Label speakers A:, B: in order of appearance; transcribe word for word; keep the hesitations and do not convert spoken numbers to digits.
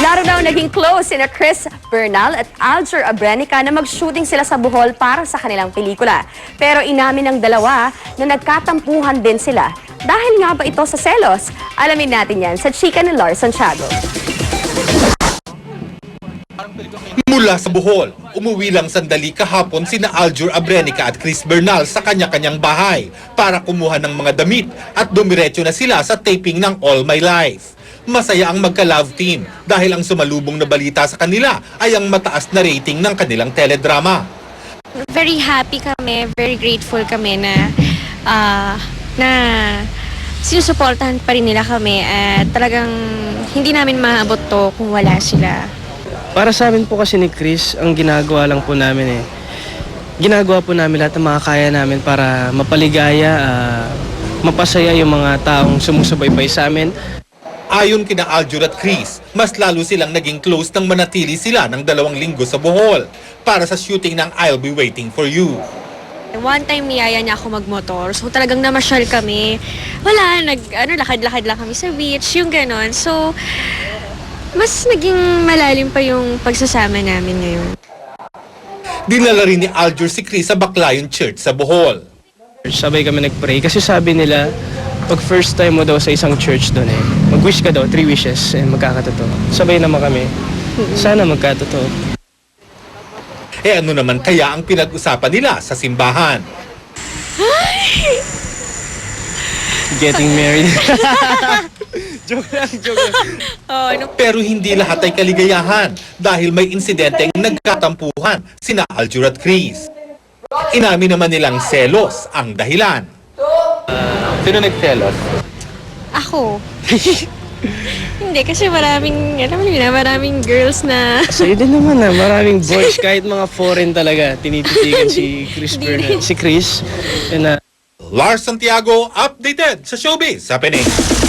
A: Laro daw naging close sina Chris Bernal at Alger Abrenica na mag-shooting sila sa Bohol para sa kanilang pelikula. Pero inamin ng dalawa na nagkatampuhan din sila. Dahil nga ba ito sa selos? Alamin natin yan sa chika ni Lars Santiago.
B: Mula sa Bohol, umuwi lang sandali kahapon sina Alger Abrenica at Chris Bernal sa kanya-kanyang bahay para kumuha ng mga damit at dumiretso na sila sa taping ng All My Life. Masaya ang magka-love team dahil ang sumalubong na balita sa kanila ay ang mataas na rating ng kanilang teledrama.
C: Very happy kami, very grateful kami na uh, na sinusuportahan pa rin nila kami at talagang hindi namin maabot to kung wala sila.
D: Para sa amin po kasi ni Chris, ang ginagawa lang po namin eh, ginagawa po namin lahat ng mga kaya namin para mapaligaya, uh, mapasaya yung mga taong sumusubaybay sa amin.
B: Ayon kina Alger at Chris, mas lalo silang naging close nang manatili sila ng dalawang linggo sa Bohol para sa shooting ng I'll Be Waiting For You.
C: One time niyaya niya ako magmotor, so talagang namasyal kami. Wala, nag, ano, lakad-lakad lang kami sa beach, yung ganon. So, mas naging malalim pa yung pagsasama namin ngayon.
B: Dinala rin ni Alger si Chris sa Baclayon Church sa Bohol.
D: Sabay kami nag-pray kasi sabi nila, pag first time mo daw sa isang church doon eh, mag-wish ka daw, three wishes, and magkakatotoo. Sabay naman kami. Sana magkatotoo.
B: Eh ano naman kaya ang pinag-usapan nila sa simbahan?
D: Getting married. Joke lang, joke lang.
C: Oh, ano?
B: Pero hindi lahat ay kaligayahan dahil may insidenteng nagkatampuhan sina Alger at Chris. Inamin naman nilang selos ang dahilan. Sino nagselos?
C: Ako. Hindi, kasi maraming, alam mo na, maraming girls na...
D: Sa'yo din naman na, maraming boys, kahit mga foreign talaga, tinititigan si Chris Bernal, si Chris. And, uh,
B: Lars Santiago, updated sa showbiz happening.